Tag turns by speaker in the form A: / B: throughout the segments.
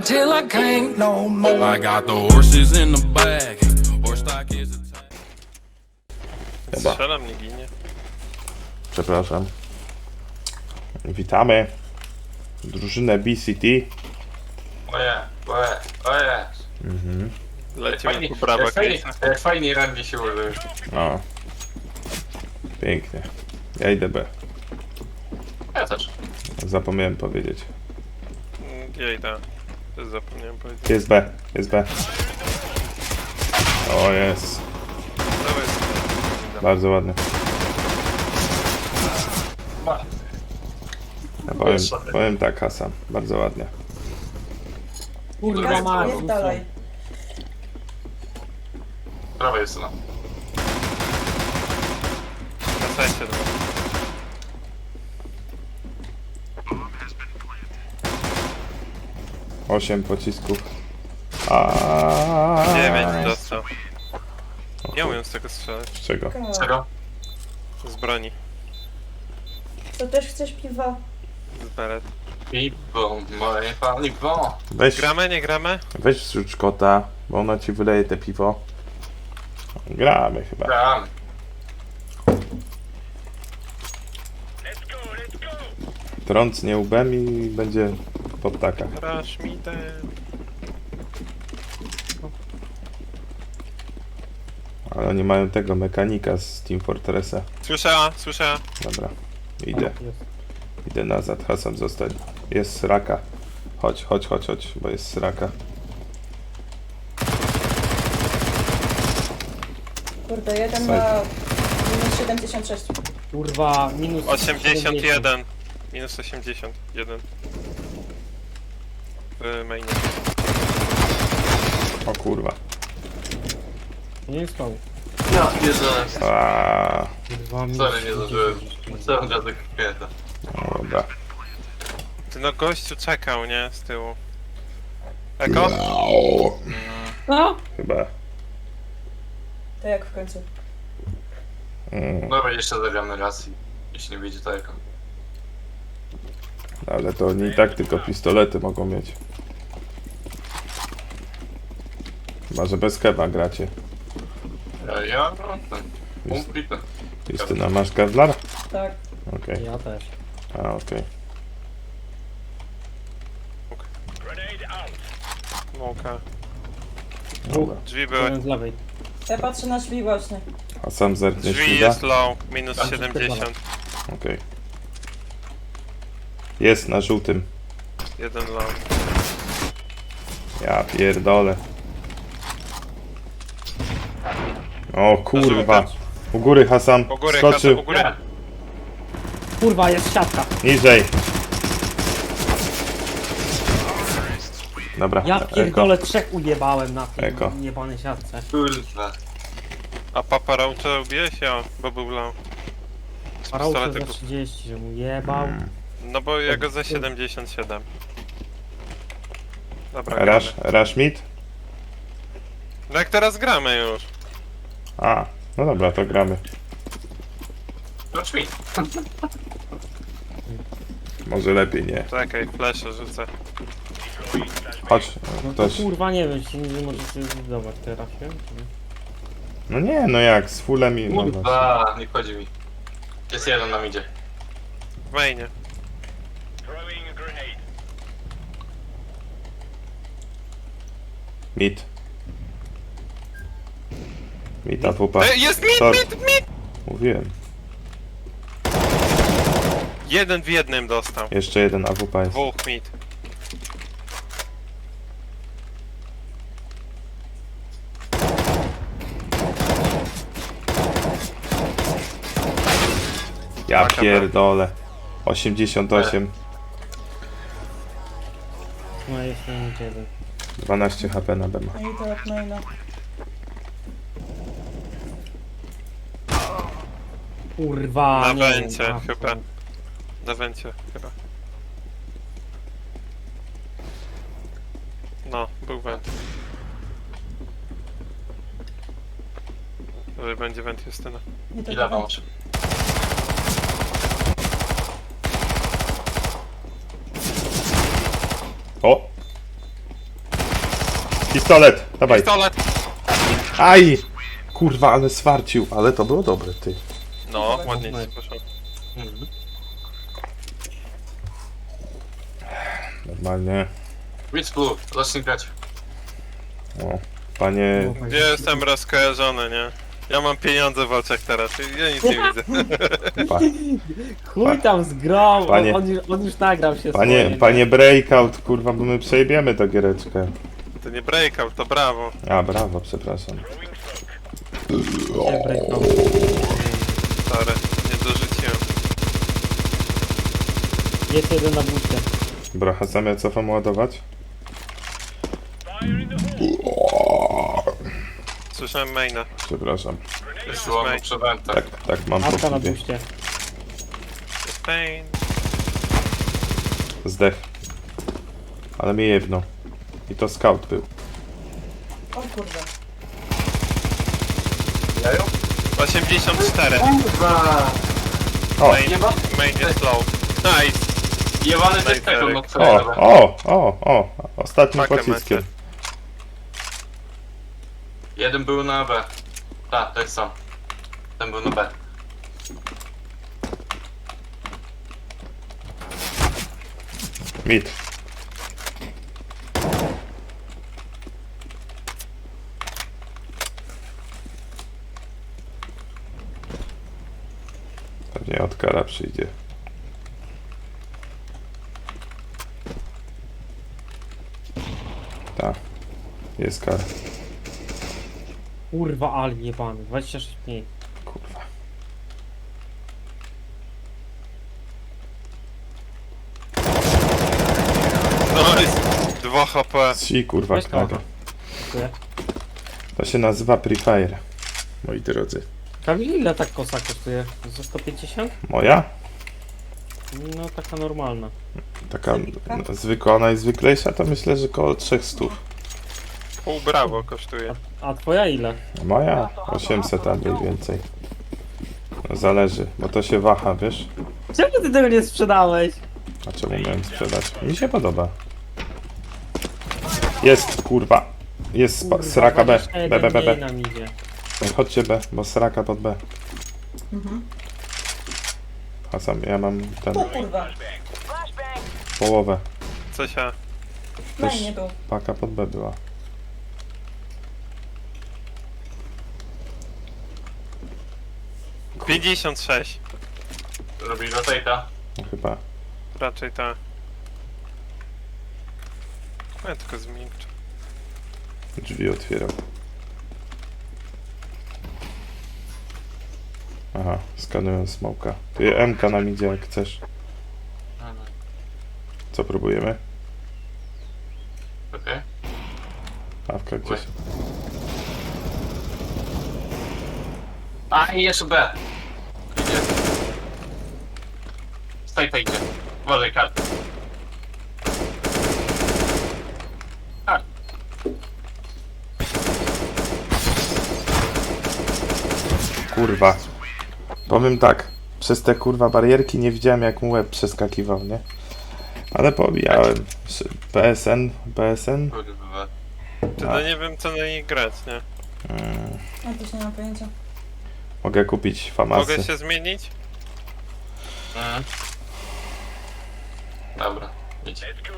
A: till I can't no more. I got the horses in the back. Horse stock is a
B: Chyba.
C: Strzelam, nie ginie.
B: Przepraszam. Witamy drużynę BCT.
D: Oje.
C: Lecimy po prawa
D: Fajnie radnie się użył.
B: O. Pięknie. Ja idę B.
D: Ja też.
B: Zapomniałem powiedzieć.
C: Ja idę. Też zapomniałem powiedzieć.
B: Jest B, jest B. O, jest.
C: Dawaj.
B: Bardzo ładny. Ja powiem tak, Hasan. Bardzo ładnie.
E: Kurwa mać.
F: Dalej.
D: Prawa jest na.
C: Na sajcie dwa.
B: Osiem pocisków.
C: 9 dostał. Nie umiem z tego strzelać.
B: Z czego?
D: Czego?
C: Z broni.
F: Co, też chcesz piwa?
C: Z beret.
D: Piwo, moje paliwo.
B: Weź,
C: Gramy, nie gramy?
B: weź zrzuć kota, bo ona ci wyleje te piwo. Gramy chyba.
D: Gram.
B: Trącnie łbem i będzie po ptakach.
C: Rush me ten.
B: Ale oni mają tego mechanika z Team Fortressa.
C: Słyszę.
B: Dobra, idę. Idę nazad, Hasan zostań. Jest sraka. Chodź, bo jest sraka.
F: Kurde, jeden ma minus 76.
E: Kurwa, minus
C: 81. Minus 81. W mainie.
B: O kurwa.
E: Nie jest koło.
D: Ja pierdolę.
B: Aaaa.
E: Kurwa, minus
D: Sorry, nie zdążyłem. Całą gadę kwieta.
B: No dobra.
C: Ty no gościu czekał, nie? Z tyłu. Eko?
E: No!
B: Chyba.
F: To jak w końcu?
D: Dobra, jeszcze zagramy raz i jeśli nie wyjdzie to jako.
B: Ale to oni i tak tylko pistolety mogą mieć. Chyba, że bez keba gracie.
D: Ja ten. Umplitny.
B: Justyna, masz Kevlar?
F: Tak.
B: Okej.
E: Ja też.
B: A, okej.
C: Mołka.
B: Dobra.
C: Drzwi były.
E: Jeden z lewej.
F: Ja patrzę na drzwi właśnie.
B: A sam zerkniesz
C: Drzwi
B: Frida?
C: jest low. Minus 70.
B: Okej. Jest na żółtym.
C: Jeden low.
B: Ja pierdolę. O kurwa. U góry Hasan.
C: U góry,
B: Skoczył.
C: u góry.
E: Kurwa, jest siatka.
B: Niżej. Dobra.
E: Ja
B: Eko.
E: pierdolę, trzech ujebałem na
B: Eko.
E: tej jebanej siatce.
D: Kurwa.
C: A Papa Roacha ubiłeś? Ja, bo był low. Z
E: Paraucze za
C: pistoletu.
E: 30, że mu jebał.
C: No bo ja go za 77. Dobra, gramy.
B: Rush mid?
C: No jak teraz gramy już.
B: A, no dobra, to gramy.
D: No drzwi.
B: Może lepiej nie.
C: Czekaj, flesze rzucę.
B: Chodź,
E: No to
B: ktoś.
E: kurwa nie wiem, czy nie możecie zbudować teraz, nie?
B: No nie, no jak, z fullem i... No właśnie.
D: Kurwa, nie chodzi mi. Jest jeden nam idzie.
C: W mainie.
B: Mid. Mid AWP.
C: Jest mid,
B: Sorry.
C: mid!
B: Mówiłem.
C: Jeden w jednym dostał.
B: Jeszcze jeden AWP jest.
C: Dwóch mid.
B: Ja pierdolę. 88.
E: No jest jeden.
B: 12 HP na BMA.
F: No i to jak maina.
E: Kurwa,
C: Na
E: nie
C: węcie
E: wiem,
C: chyba. Na węcie chyba. No, był węd. Może będzie węd Justyna.
F: Nie to
D: Ile
F: tak.
D: wam
B: O! Pistolet, dawaj.
C: Pistolet!
B: Aj! Kurwa, ale swarcił, ale to było dobre, ty.
C: No, ładnie ci poszło.
B: Normalnie.
D: Widz Blue, zacznij grać.
B: O, panie...
C: Gdzie jestem rozkojarzony, nie? Ja mam pieniądze w oczach teraz, ja nic nie widzę.
B: Pa,
E: Chuj tam z grą,
B: Panie-
E: on już nagrał się swoje, nie?
B: panie breakout, kurwa, bo my przejebiemy tę giereczkę.
C: To nie breakout, to brawo.
B: A, brawo, przepraszam.
E: Nie breaknął.
C: Sorry, nie dorzuciłem.
E: Jest jeden na buście.
B: Bracha, sam ja cofam ładować?
C: Słyszałem maina.
B: Przepraszam.
D: Wysyłam przy wentach.
B: Tak, mam
E: Apka na
B: po
E: buście.
C: Pain.
B: Zdech. Ale mnie jedno. I to scout był.
F: O kurde.
D: Jaju?
C: 84.
D: Kurwa!
B: O,
C: Main, main jest low. Nice.
D: Jebany
C: Daj,
D: też tego, no
C: Derek.
D: co
B: o,
D: ja robię.
B: o! Ostatnim
C: Pakę
B: pociskiem.
C: macie.
D: Jeden był na B. Tak, tak sam. Ten był na B.
B: Mit. Pewnie od kara przyjdzie. Tak. Jest kara.
E: Kurwa, ale jebany. 26 mniej.
B: Kurwa.
C: Nice. 2 HP.
B: Si kurwa
E: Weź
B: kara.
E: to. Dziękuję.
B: To się nazywa Pre Fire. Moi drodzy.
E: Kamil, ile tak kosa kosztuje? Za 150?
B: Moja?
E: No taka normalna.
B: Taka zwykła, najzwyklejsza to myślę, że koło 300.
C: Pół brawo kosztuje.
E: A twoja ile?
B: Moja 800 a mniej więcej. No zależy, bo to się waha, wiesz?
E: Czemu ty tego nie sprzedałeś?
B: A czemu miałem sprzedać? Mi się podoba. Jest, kurwa. Jest sraka B. B, B, B, B.
E: Nam idzie.
B: Chodźcie B, bo sraka pod B.
F: Mhm.
B: A sam ja mam ten
F: O kurwa.
B: połowę.
C: Co się?
F: No i nie był.
B: Paka pod B była.
C: Kur... 56.
D: Robi rotate'a.
B: No chyba.
C: Raczej tak. Ja tylko zmiękczę.
B: Drzwi otwierał. Aha, skanują smoka. Tu jest MK nam idzie jak chcesz. Co próbujemy?
D: Okej.
B: Awka gdzieś.
D: A i jeszcze B. Idzie. Stajta idzie. Uważaj, kartę. Tak.
B: Kurwa. Powiem tak. Przez te kurwa barierki nie widziałem jak mu łeb przeskakiwał, nie? Ale pobijałem. PSN?
D: Kurwa.
C: Ty no nie wiem co na nich grać, nie?
F: Ja też nie mam pojęcia.
B: Mogę kupić famasy.
C: Mogę się zmienić?
D: Mhm. Dobra, idź.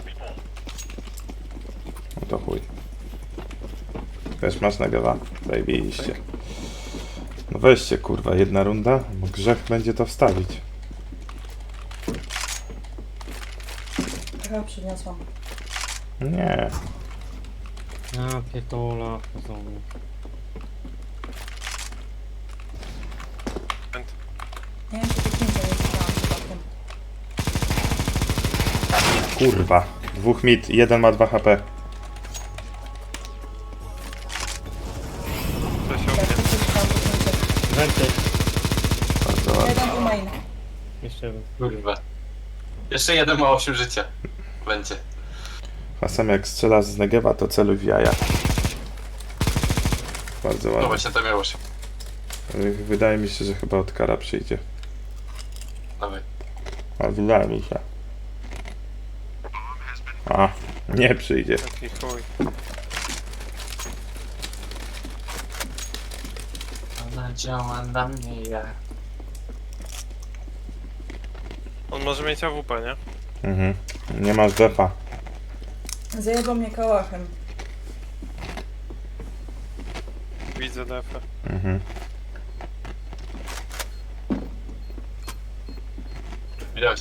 B: No to chuj. Też masz nagawa? Zajebiście. No weźcie kurwa, jedna runda. Bo grzech będzie to wstawić.
F: Trochę przyniosłam.
B: Nie.
E: A, pierdolę. znowu.
F: Nie wiem, czy to nie jest przypadkiem.
B: Kurwa. Dwóch mid, jeden ma 2 HP.
C: To się
F: Jak
C: umie.
F: to coś tam puknięcie.
E: Wenty.
B: Bardzo ładnie.
F: Jeden był main.
E: Jeszcze jeden.
D: Kurwa. Jeszcze jeden ma 8 życia. Będzie.
B: A sam jak strzela z Negewa, to celuj w jaja. Bardzo
D: No
B: ładnie.
D: właśnie to miało się.
B: Wydaje mi się, że chyba od kara przyjdzie.
D: Dawaj.
B: A wydaje mi się. A, nie przyjdzie.
C: Taki chuj.
D: działa na mnie jak.
C: On może mieć AWP, nie?
B: Mhm. Nie masz defa.
F: Zajebał mnie kałachem.
C: Widzę defę.
B: Mhm.
D: Widać.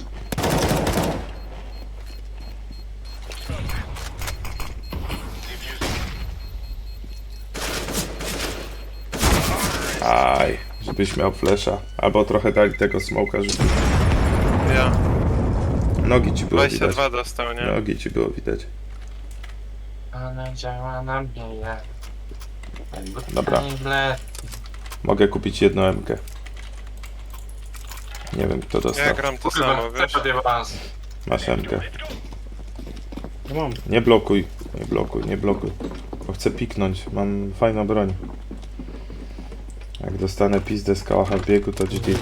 B: Aj, żebyś miał flesza. Albo trochę dali tego smoka rzucić.
C: Ja.
B: Nogi ci było widać.
C: 22 dostał, nie?
B: Nogi ci było widać.
D: Ona działa na mnie jak.
B: Dobra. Mogę kupić jedną MK. Nie wiem kto
C: Ja
B: dostał.
C: gram to
D: Kurwa,
C: samo, wiesz?
D: tak awans.
B: Masz MK.
E: Ja mam.
B: Nie blokuj, nie blokuj, nie blokuj. Bo chcę piknąć, mam fajną broń. Jak dostanę pizdę z kałacha w biegu, to GG.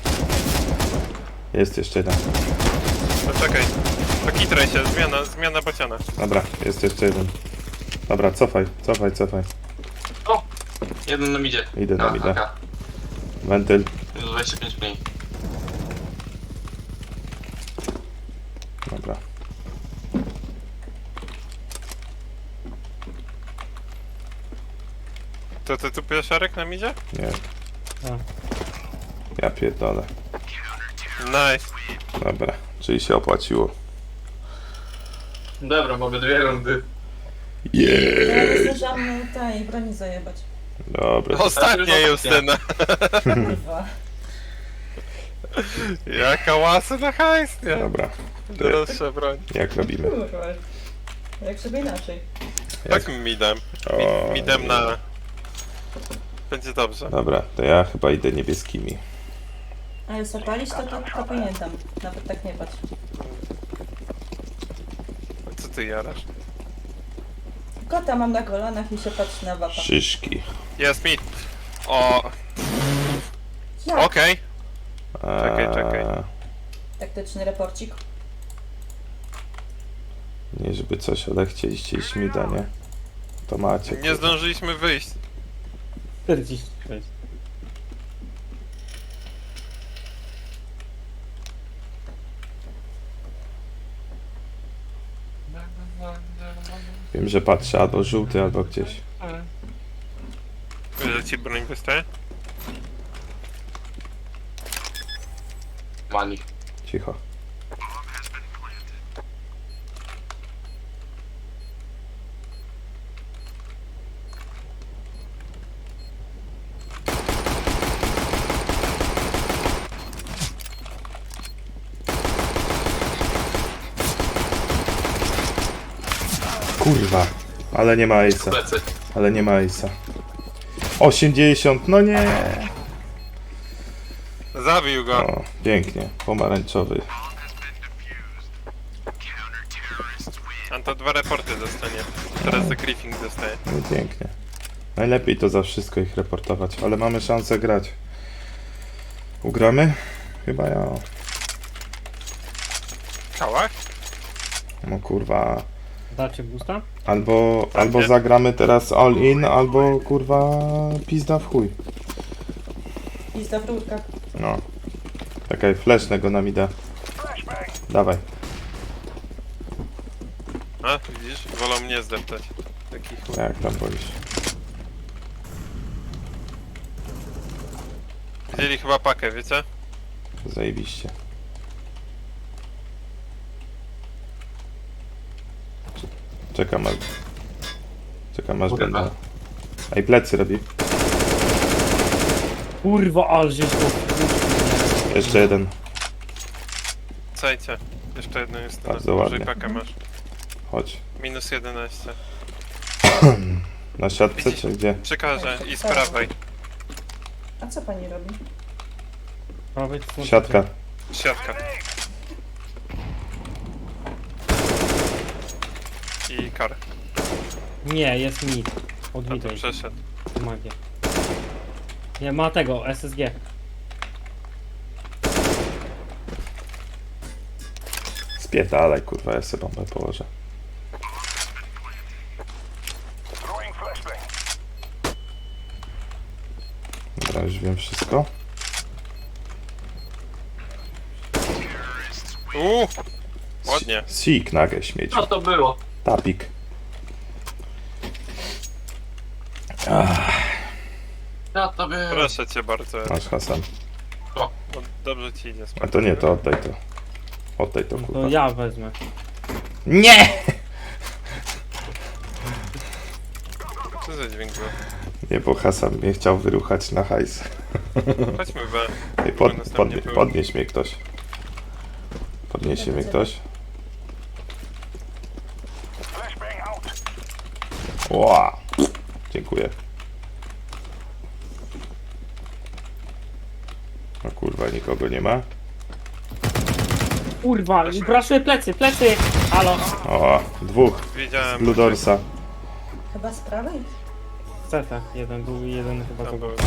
B: Jest jeszcze jeden.
C: No czekaj. To kitraj się, zmiana bociana.
B: Dobra, jest jeszcze jeden. Dobra, cofaj, cofaj, cofaj.
D: O! Jeden nam idzie.
B: Idę nam, idę.
D: Taka.
B: Wentyl.
D: Minus 25 mniej.
B: Dobra.
C: To ty tu pieszarek nam idzie?
B: Nie.
E: A.
B: Ja pierdolę.
C: Nice.
B: Dobra, czyli się opłaciło.
D: Dobra, mamy 2 rundy.
F: Ja
B: Jeee.
F: nie zdążyłam tej broni zajebać.
B: Dobra.
C: Ostatnia Justyna.
F: Kurwa.
C: Jaka łasa na hajs, nie?
B: Dobra.
C: Droższa broń.
B: Jak robimy?
F: Kurwa. Jak sobie inaczej.
C: Tak midem.
B: O,
C: Midem na... Będzie dobrze.
B: Dobra, to ja chyba idę niebieskimi.
F: Ale zapalić to pamiętam. Nawet tak nie patrz.
C: Co ty jarasz?
F: Kota mam na kolanach i się patrzy na wapa.
B: Szyszki.
C: Jest mid. O,
F: Jak?
C: okej.
B: Eee,
C: Czekaj.
F: Taktyczny reporcik.
B: Nie żeby coś, ale chcieliście iść mida, nie? To macie.
C: Nie zdążyliśmy wyjść.
E: 46.
B: Wiem, że patrzę albo żółty, albo gdzieś.
C: Wiesz, że ci broń wystaje?
D: Mani.
B: Cicho. Kurwa, ale nie ma Ace'a,
D: Plecy.
B: ale nie ma Ace'a. 80, no nie!
C: Zabił go.
B: O, pięknie, pomarańczowy.
C: On to 2 reporty dostanie. Teraz The Griffing dostaje.
B: No i pięknie. Najlepiej to za wszystko ich reportować, ale mamy szansę grać. Ugramy? Chyba ja.
C: Kałach?
B: No kurwa.
E: Dacie boosta?
B: Albo zagramy teraz all in, albo kurwa pizda w chuj.
F: Pizda w rurkach.
B: No. Czekaj, flesznego nam ida. Dawaj.
C: A, widzisz? Wolą mnie zdeptać. Taki chuj.
B: Jak tam boisz?
C: Wzięli chyba pakę, wiecie?
B: Zajebiście. Czekam aż... Czekam aż
D: Kurwa.
B: będę... Ej, plecy robi.
E: Kurwa, ale żeś to...
B: Jeszcze jeden.
C: Cajcie. Jeszcze jedno jest na
B: Bardzo
C: dużej
B: ładnie.
C: pakę masz.
B: Chodź.
C: Minus 11.
B: Na siatce czy gdzie?
C: Przekażę i z prawej.
F: A co pani robi?
E: Prawej to są-
B: Siatka.
C: Siatka. I kar.
E: Nie, jest mid. Od
C: A to
E: mida
C: przeszedł.
E: magia. Nie, ma tego, SSG.
B: Spierdalaj, kurwa, ja sobie bombę położę. Dobra, Ja już wiem wszystko.
C: Ładnie.
B: Sik nagę śmieć.
D: Co to było?
B: Tapik.
D: Co to było?
C: Proszę cię bardzo.
B: Masz Hasan.
C: No, dobrze ci idzie.
B: A to nie, to oddaj to. Oddaj to,
E: To
B: kurwa.
E: ja wezmę.
B: Nie!
C: Co za dźwięk był?
B: Nie, bo Hasan mnie chciał wyruchać na hajs.
C: Chodźmy B.
B: Ej, podnieś mnie ktoś. Podniesie mnie ktoś. Ła! Dziękuję. No kurwa, nikogo nie ma.
E: Kurwa, braszuję plecy, plecy! Halo!
B: O, dwóch.
C: Wiedziałem.
B: Ludorsa.
F: Chyba z prawej?
E: Ceta, jeden był i jeden chyba
C: To
E: to był.
C: był.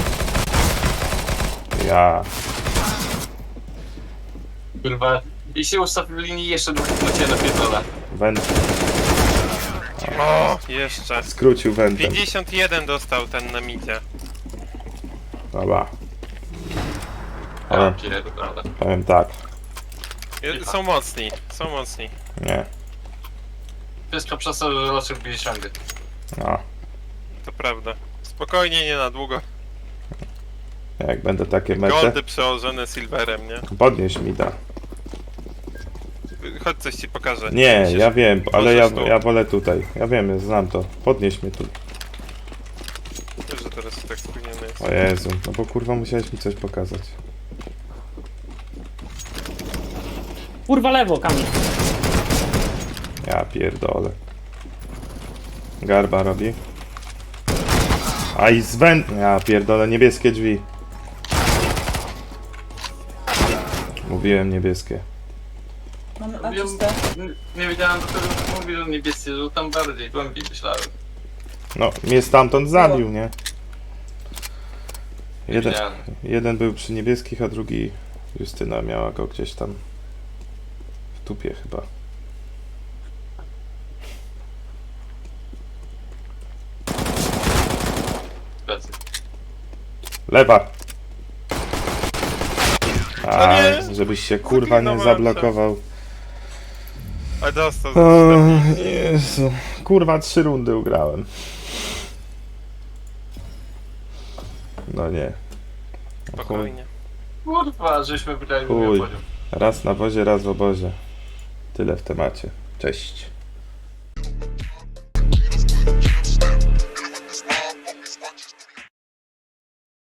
B: Ja.
D: Kurwa. I się ustaw w linii jeszcze dwóch na ciebie napierdolę.
B: Węd.
C: O, jeszcze.
B: Skrócił wędem.
C: 51 dostał ten na midzie.
B: Dobra.
D: Ja pierdolę.
B: Powiem tak.
C: Są mocni, są mocni.
B: Nie.
D: Wszystko przez to, że raczej bije ciągle.
B: No.
C: To prawda. Spokojnie, nie na długo.
B: Jak będę takie mecze.
C: Goldy przełożone silverem, nie?
B: Podnieś mi da.
C: Chodź, coś ci pokażę.
B: Nie,
C: Musisz-
B: ja wiem, ale
C: możesz tu.
B: ja wolę tutaj. Ja wiem, znam to. Podnieś mnie tu.
C: Wiesz, że teraz tak spóźniony jest.
B: O Jezu, no bo kurwa musiałeś mi coś pokazać.
E: Kurwa lewo, Kamil!
B: Ja pierdolę. Garba robi. A i Ja pierdolę, niebieskie drzwi. Mówiłem niebieskie.
F: Mamy A czyste.
D: Nie wiedziałem, do którego mówi, że niebieskie, że tam bardziej, głębiej myślałem.
B: No, mnie stamtąd zabił, nie? Jeden,
D: Wiedziałem.
B: jeden był przy niebieskich, a drugi Justyna miała go gdzieś tam w tupie chyba.
D: Plecy.
B: Lewa! A,
C: No nie!
B: żebyś się kurwa nie
C: Zlikwidowałem
B: zablokował.
C: Ale dostał.
B: O, Jezu. Kurwa, 3 rundy ugrałem. No nie. Chuj.
C: Spokojnie.
D: Kurwa, żeśmy wygrali
B: Chuj.
D: poziom.
B: Raz na wozie, raz w obozie. Tyle w temacie. Cześć.